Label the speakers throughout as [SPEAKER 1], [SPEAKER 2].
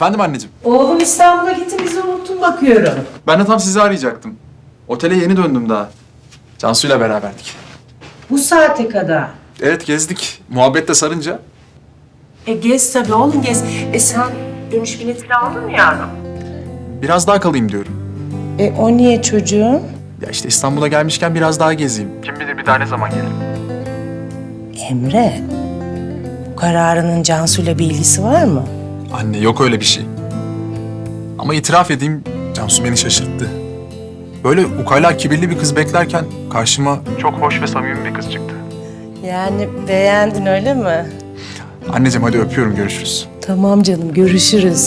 [SPEAKER 1] Efendim anneciğim.
[SPEAKER 2] Oğlum İstanbul'a gitti, bizi unuttun bakıyorum.
[SPEAKER 1] Ben de tam sizi arayacaktım. Otele yeni döndüm daha. Cansu'yla beraberdik.
[SPEAKER 2] Bu saate kadar.
[SPEAKER 1] Evet gezdik. Muhabbet de sarınca.
[SPEAKER 2] Gez tabii oğlum gez. Sen dönüş biletini aldın mı yavrum?
[SPEAKER 1] Biraz daha kalayım diyorum.
[SPEAKER 2] O niye çocuğum?
[SPEAKER 1] Ya işte İstanbul'a gelmişken biraz daha gezeyim. Kim bilir bir daha ne zaman gelirim.
[SPEAKER 2] Emre, bu kararının Cansu'yla bir ilgisi var mı?
[SPEAKER 1] Anne yok öyle bir şey. Ama itiraf edeyim Cansu beni şaşırttı. Böyle ukala kibirli bir kız beklerken karşıma çok hoş ve samimi bir kız çıktı.
[SPEAKER 2] Yani beğendin öyle mi?
[SPEAKER 1] Anneciğim hadi öpüyorum, görüşürüz.
[SPEAKER 2] Tamam canım, görüşürüz.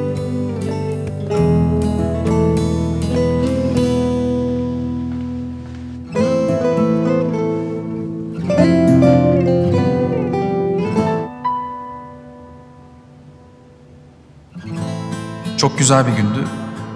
[SPEAKER 1] Çok güzel bir gündü.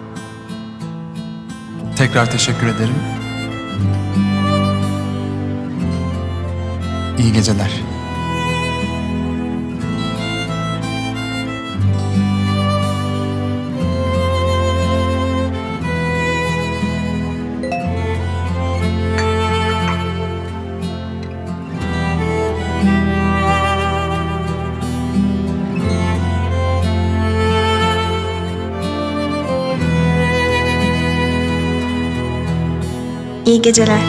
[SPEAKER 1] Tekrar teşekkür ederim. İyi geceler.
[SPEAKER 3] İyi geceler.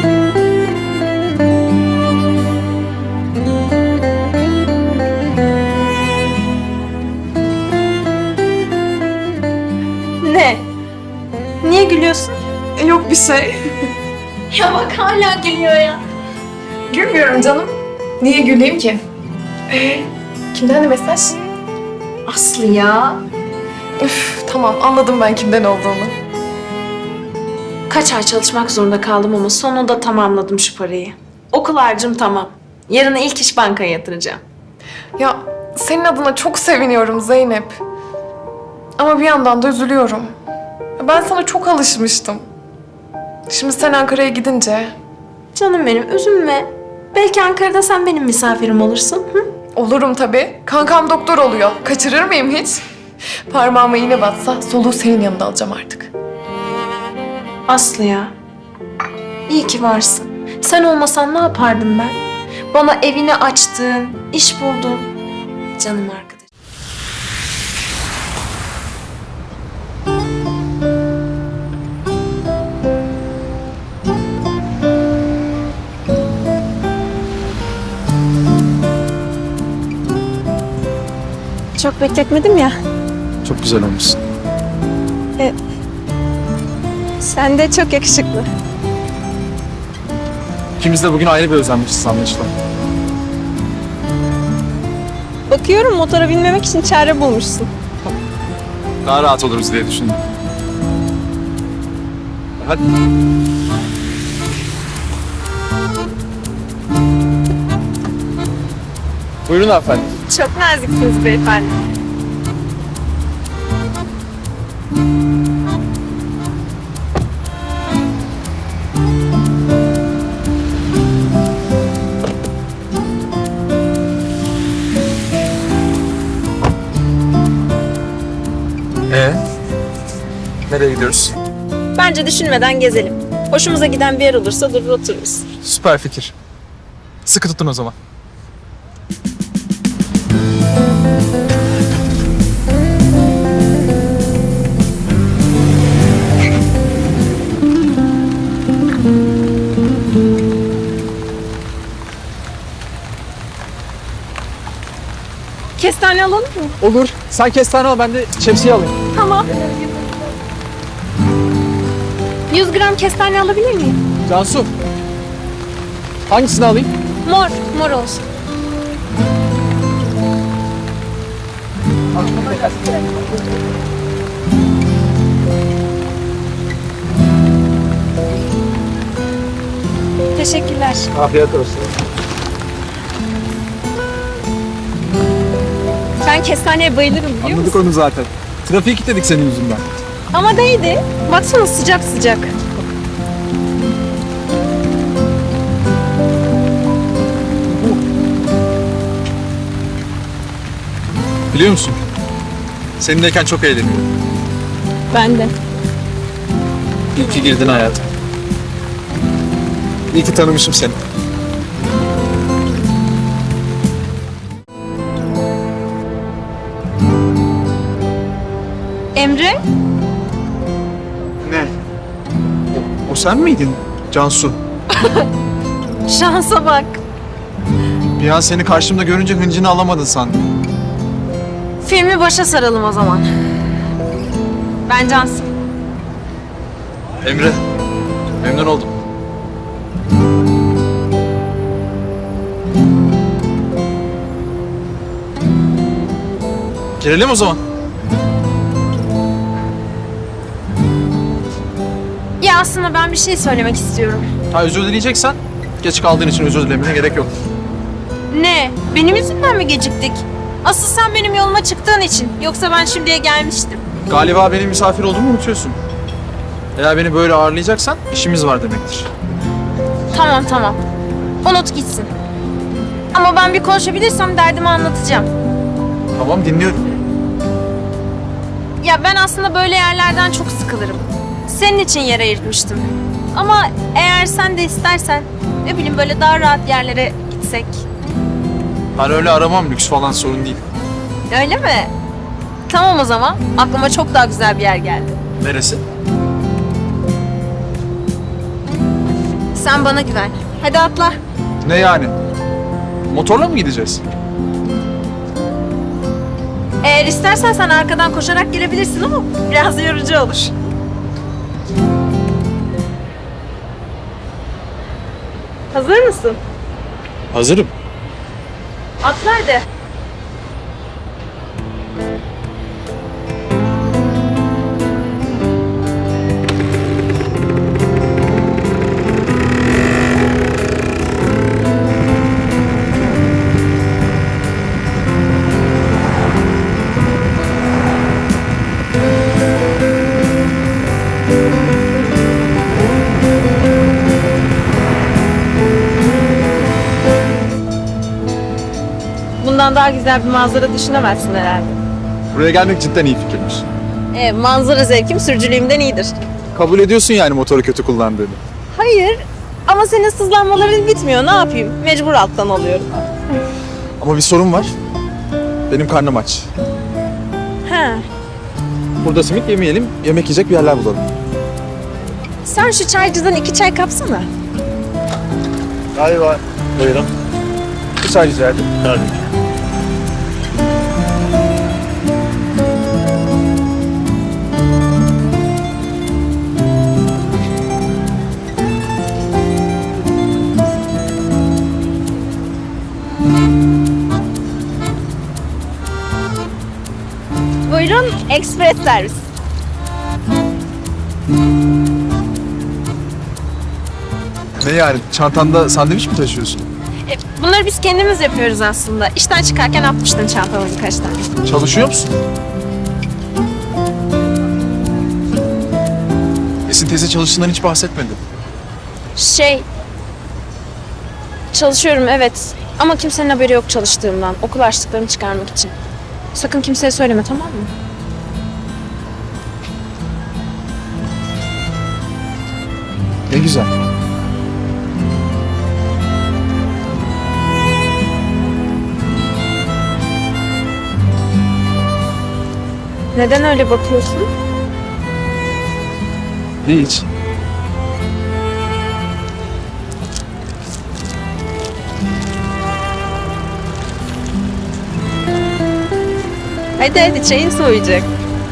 [SPEAKER 4] Ne? Niye gülüyorsun?
[SPEAKER 5] Yok bir şey.
[SPEAKER 4] Ya bak hala gülüyor ya.
[SPEAKER 5] Gülmüyorum canım. Niye güleyim ki? Kimden de mesaj?
[SPEAKER 4] Aslı ya.
[SPEAKER 5] Üf, tamam anladım ben kimden olduğunu.
[SPEAKER 4] Kaç ay çalışmak zorunda kaldım ama sonunda tamamladım şu parayı. Okul harcım tamam. Yarın ilk iş bankaya yatıracağım.
[SPEAKER 5] Ya senin adına çok seviniyorum Zeynep. Ama bir yandan da üzülüyorum. Ben sana çok alışmıştım. Şimdi sen Ankara'ya gidince
[SPEAKER 4] Canım benim üzülme. Belki Ankara'da sen benim misafirim olursun. Hı?
[SPEAKER 5] olurum tabii. Kankam doktor oluyor. Kaçırır mıyım hiç? Parmağıma iğne batsa soluğu senin yanında alacağım artık.
[SPEAKER 4] Aslı ya. İyi ki varsın. Sen olmasan ne yapardım ben? Bana evini açtın, iş buldun. Canım arkadaşım. Çok bekletmedim ya.
[SPEAKER 1] Çok güzel olmuşsun.
[SPEAKER 4] Sen de çok yakışıklı.
[SPEAKER 1] İkimiz de bugün ayrı bir özenmişiz anlaşılan.
[SPEAKER 4] Bakıyorum motora binmemek için çare bulmuşsun.
[SPEAKER 1] Daha rahat oluruz diye düşündüm. Hadi. Buyurun efendim.
[SPEAKER 4] Çok naziksiniz beyefendi.
[SPEAKER 1] Nereye gidiyoruz?
[SPEAKER 4] Bence düşünmeden gezelim. Hoşumuza giden bir yer olursa durur otururuz.
[SPEAKER 1] Süper fikir. Sıkı tutun o zaman.
[SPEAKER 4] Kestane alalım mı?
[SPEAKER 1] Olur. Sen kestane al, ben de şemsiye alayım.
[SPEAKER 4] Tamam. 100 gram kestane alabilir miyim?
[SPEAKER 1] Cansu. Hangisini alayım?
[SPEAKER 4] Mor, mor olsun. Teşekkürler.
[SPEAKER 1] Afiyet olsun.
[SPEAKER 4] Ben kestaneye bayılırım biliyor musun?
[SPEAKER 1] Anladık onu zaten. Trafiği kilitledik senin yüzünden.
[SPEAKER 4] Ama değdi. Baksana sıcak sıcak.
[SPEAKER 1] Biliyor musun? Seninleyken çok eğleniyorum.
[SPEAKER 6] Ben de.
[SPEAKER 1] İyi ki girdin hayatıma. İyi ki tanımışım seni.
[SPEAKER 6] Emre?
[SPEAKER 1] Ne? O sen miydin Cansu?
[SPEAKER 6] Şansa bak.
[SPEAKER 1] Bir an seni karşımda görünce hıncını alamadın sandım.
[SPEAKER 6] Filmi başa saralım o zaman. Ben Cansu.
[SPEAKER 1] Emre, memnun oldum. Girelim o zaman.
[SPEAKER 6] Ya aslında ben bir şey söylemek istiyorum.
[SPEAKER 1] Ha, özür dileyeceksen geç kaldığın için özür dilemene gerek yok.
[SPEAKER 6] Ne? Benim yüzümden mi geciktik? Asıl sen benim yoluma çıktığın için. Yoksa ben şimdiye gelmiştim.
[SPEAKER 1] Galiba benim misafir olduğumu unutuyorsun. Eğer beni böyle ağırlayacaksan işimiz var demektir.
[SPEAKER 6] Tamam. Unut gitsin. Ama ben bir konuşabilirsem derdimi anlatacağım.
[SPEAKER 1] Tamam, dinliyorum.
[SPEAKER 6] Ya ben aslında böyle yerlerden çok sıkılırım. Senin için yer ayırtmıştım. Ama eğer sen de istersen, ne bileyim böyle daha rahat yerlere gitsek.
[SPEAKER 1] Ben öyle aramam, lüks falan sorun değil.
[SPEAKER 6] Öyle mi? Tamam o zaman. Aklıma çok daha güzel bir yer geldi.
[SPEAKER 1] Neresi?
[SPEAKER 6] Sen bana güven. Hadi atla.
[SPEAKER 1] Ne yani? Motorla mı gideceğiz?
[SPEAKER 6] Eğer istersen sen arkadan koşarak gelebilirsin ama biraz yorucu olur. Hazır mısın?
[SPEAKER 1] Hazırım.
[SPEAKER 6] Atla hadi. Bundan daha güzel bir manzara düşünemezsin herhalde.
[SPEAKER 1] Buraya gelmek cidden iyi fikirmiş.
[SPEAKER 6] Manzara zevkim sürücülüğümden iyidir.
[SPEAKER 1] Kabul ediyorsun yani motoru kötü kullandığını.
[SPEAKER 6] Hayır ama senin sızlanmaların bitmiyor. Ne yapayım? Mecbur alttan alıyorum.
[SPEAKER 1] Ama bir sorun var. Benim karnım aç.
[SPEAKER 6] He.
[SPEAKER 1] Burada simit yemeyelim, yemek yiyecek bir yerler bulalım.
[SPEAKER 6] Sen şu çaycıdan 2 çay kapsana.
[SPEAKER 1] Galiba. Buyurun. Bir çay rica ederim. Tabii.
[SPEAKER 6] Buyurun, ekspres servis.
[SPEAKER 1] Ne yani? Çantanda sandviç mi taşıyorsun?
[SPEAKER 6] Bunları biz kendimiz yapıyoruz aslında. İşten çıkarken atmıştın çantama birkaç tane.
[SPEAKER 1] Çalışıyor musun? Esin teyze çalıştığından hiç bahsetmedi.
[SPEAKER 6] Çalışıyorum evet. Ama kimsenin haberi yok çalıştığımdan. Okul harçlıklarımı çıkarmak için. Sakın kimseye söyleme, tamam mı?
[SPEAKER 1] Ne güzel.
[SPEAKER 6] Neden öyle bakıyorsun?
[SPEAKER 1] Hiç.
[SPEAKER 6] Hadi çayın soğuyacak.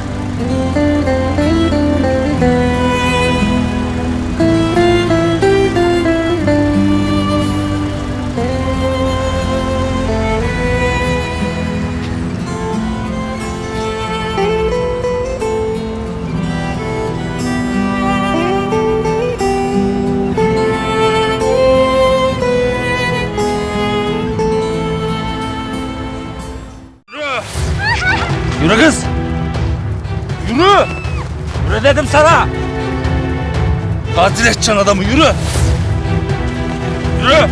[SPEAKER 7] Yürü kız! Yürü! Yürü dedim sana! Katil edeceksin adamı, yürü! Yürü!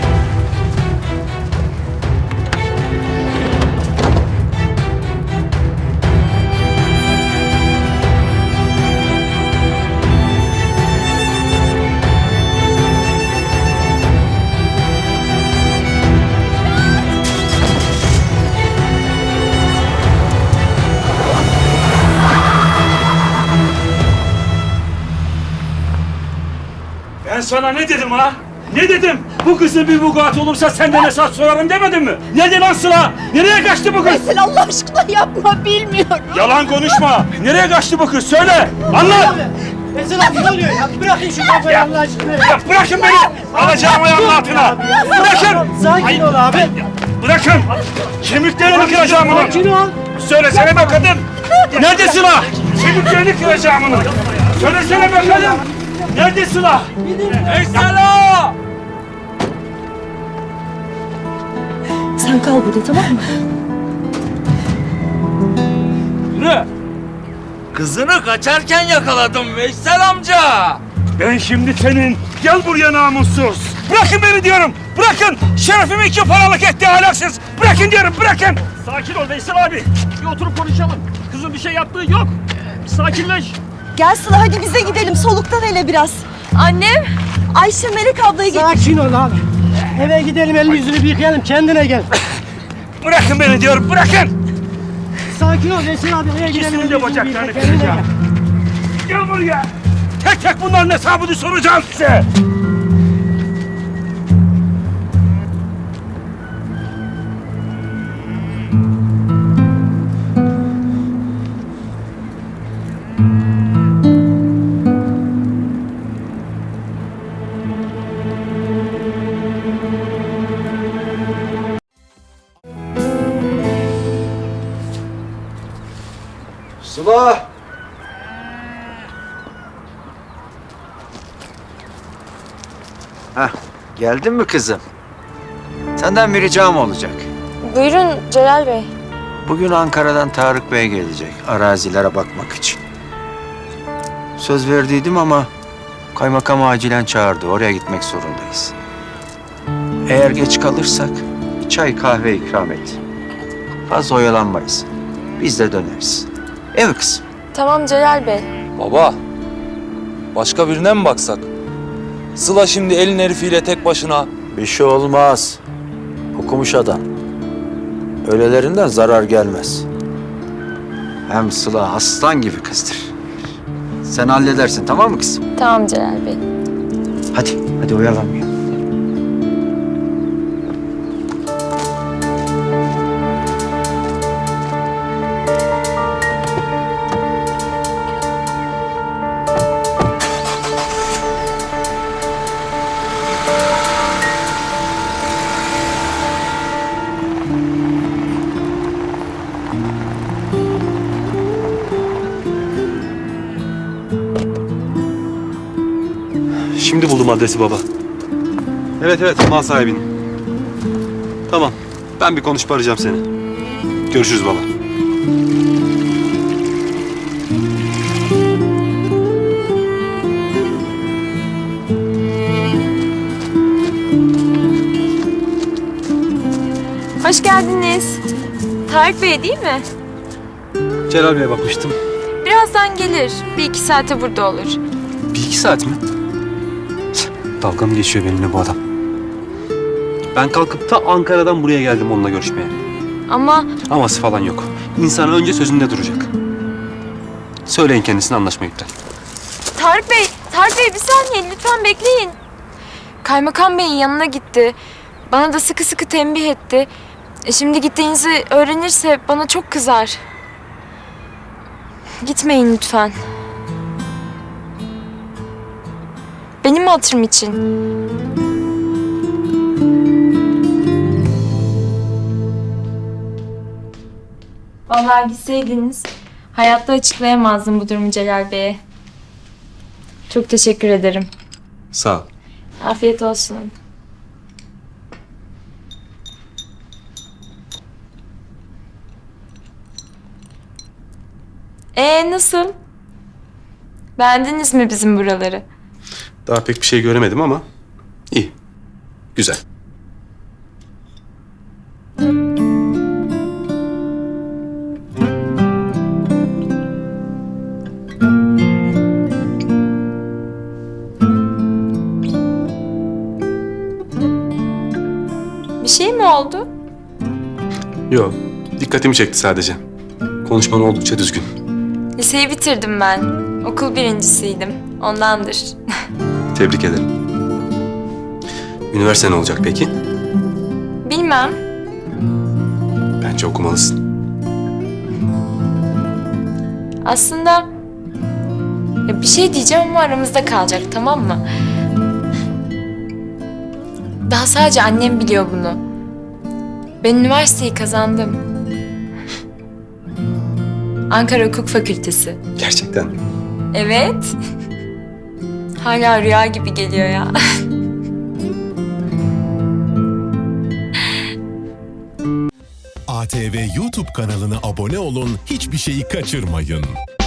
[SPEAKER 7] Ben sana ne dedim ha? Ne dedim? Bu kızın bir vukuat olursa senden hesap sorarım demedim mi? Nerede lan Sıla? Nereye kaçtı bu kız?
[SPEAKER 8] Veysel Allah aşkına yapma, bilmiyorum.
[SPEAKER 7] Yalan konuşma. Nereye kaçtı bu kız? Söyle. Anlat.
[SPEAKER 9] Veysel abi ne oluyor ya? Bırakın şu kafayı Allah aşkına.
[SPEAKER 7] Ya bırakın beni. Alacağım ayağımın altına. Bırakın.
[SPEAKER 9] Sakin ol abi.
[SPEAKER 7] Bırakın. Kemiklerini kıracağım bunu.
[SPEAKER 9] Sakin ol.
[SPEAKER 7] Söylesene be kadın. Nerede Sıla? Kemiklerini kıracağım bunu. Söylesene be kadın. Nerede Sıla? Veysel ağa!
[SPEAKER 8] Sen kal burada, tamam mı?
[SPEAKER 7] Yürü.
[SPEAKER 10] Kızını kaçarken yakaladım Veysel amca.
[SPEAKER 7] Ben şimdi senin. Gel buraya namussuz. Bırakın beni diyorum. Bırakın. Şerefimi 2 paralık etti ahlaksız. Bırakın diyorum. Bırakın.
[SPEAKER 9] Sakin ol Veysel abi. Bir oturup konuşalım. Kızın bir şey yaptığı yok. Sakinleş.
[SPEAKER 8] Gel Sıla, hadi bize gidelim. Soluktan hele biraz. Annem, Ayşe Melek ablayı
[SPEAKER 9] Sakin ol abi. Eve gidelim, elini yüzünü bir yıkayalım. Kendine gel.
[SPEAKER 7] Bırakın beni diyorum. Bırakın.
[SPEAKER 9] Sakin ol Veysel abi. Eve gidelim.
[SPEAKER 7] İkisinin
[SPEAKER 9] elini
[SPEAKER 7] de
[SPEAKER 9] yüzünü
[SPEAKER 7] bacaklarını
[SPEAKER 9] yıka, kendine
[SPEAKER 7] kıracağım. Gel buraya. Tek tek bunların hesabını soracağım size.
[SPEAKER 10] Sıla. Hah, geldin mi kızım? Senden bir ricam olacak.
[SPEAKER 6] Buyurun Celal Bey.
[SPEAKER 10] Bugün Ankara'dan Tarık Bey gelecek arazilere bakmak için. Söz verdiydim ama kaymakam acilen çağırdı. Oraya gitmek zorundayız. Eğer geç kalırsak çay kahve ikram et. Fazla oyalanmayız. Biz de döneriz. Evet kızım.
[SPEAKER 6] Tamam Celal Bey.
[SPEAKER 11] Baba, başka birine mi baksak? Sıla şimdi elin herifiyle tek başına.
[SPEAKER 10] Bir şey olmaz. Okumuş adam. Öylelerinden zarar gelmez. Hem Sıla aslan gibi kızdır. Sen halledersin, tamam mı kızım?
[SPEAKER 6] Tamam Celal Bey.
[SPEAKER 10] Hadi oyalanmayalım.
[SPEAKER 12] Şimdi buldum adresi baba. Evet, mal sahibinin. Tamam, ben bir konuşup arayacağım seni. Görüşürüz baba.
[SPEAKER 6] Hoş geldiniz. Tarık Bey değil mi?
[SPEAKER 12] Celal Bey'e bakmıştım.
[SPEAKER 6] Birazdan gelir. 1-2 saate burada olur.
[SPEAKER 12] 1-2 saat mi? Dalga mı geçiyor benimle bu adam? Ben kalkıp ta Ankara'dan buraya geldim onunla görüşmeye.
[SPEAKER 6] Ama
[SPEAKER 12] Aması falan yok. İnsan önce sözünde duracak. Söyleyin kendisine, anlaşma iptal.
[SPEAKER 6] Tarık Bey bir saniye lütfen bekleyin. Kaymakam Bey'in yanına gitti. Bana da sıkı sıkı tembih etti. Şimdi gittiğinizi öğrenirse bana çok kızar. Gitmeyin lütfen. Benim hatırım için. Vallahi gitseydiniz hayatta açıklayamazdım bu durumu Celal Bey'e. Çok teşekkür ederim.
[SPEAKER 12] Sağ ol.
[SPEAKER 6] Afiyet olsun. Nasıl? Beğendiniz mi bizim buraları?
[SPEAKER 12] Daha pek bir şey göremedim ama iyi. Güzel.
[SPEAKER 6] Bir şey mi oldu?
[SPEAKER 12] Yok, dikkatimi çekti sadece. Konuşman oldukça düzgün.
[SPEAKER 6] Liseyi bitirdim ben. Okul birincisiydim. Ondandır.
[SPEAKER 12] Tebrik ederim. Üniversite ne olacak peki?
[SPEAKER 6] Bilmem.
[SPEAKER 12] Bence okumalısın.
[SPEAKER 6] Aslında ya bir şey diyeceğim ama aramızda kalacak, tamam mı? Daha sadece annem biliyor bunu. Ben üniversiteyi kazandım. Ankara Hukuk Fakültesi.
[SPEAKER 12] Gerçekten.
[SPEAKER 6] Evet. Hala rüya gibi geliyor ya.
[SPEAKER 13] ATV YouTube kanalına abone olun, hiçbir şeyi kaçırmayın.